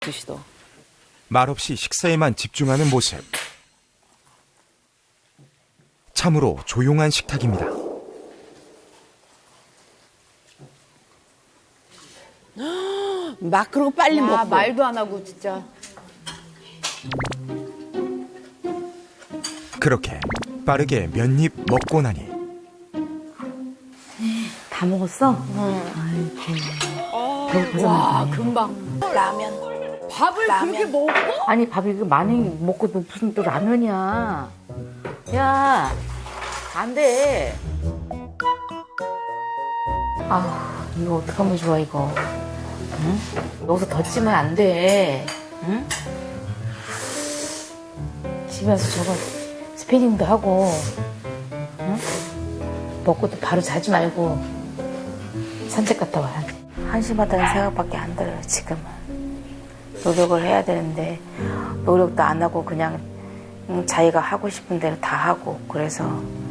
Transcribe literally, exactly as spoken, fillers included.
드시더. 말없이 식사에만 집중하는 모습. 참으로 조용한 식탁입니다. 막 그러고 빨리 야, 먹고. 말도 안 하고 진짜. 그렇게 빠르게 몇 입 먹고 나니 다 먹었어? 와, 금방. 라면. 밥을 라면. 그렇게 먹어? 아니 밥이 그 많이 먹고 무슨 또 라면이야. 야, 안 돼. 아, 이거 어떡하면 좋아 이거. 응? 여기서 더 찌면 안 돼. 응? 집에 와서 저거 스피닝도 하고, 응? 먹고도 바로 자지 말고 산책 갔다 와야 돼. 한심하다는 생각밖에 안 들어요 지금은. 노력을 해야 되는데 노력도 안 하고 그냥 음, 자기가 하고 싶은 대로 다 하고 그래서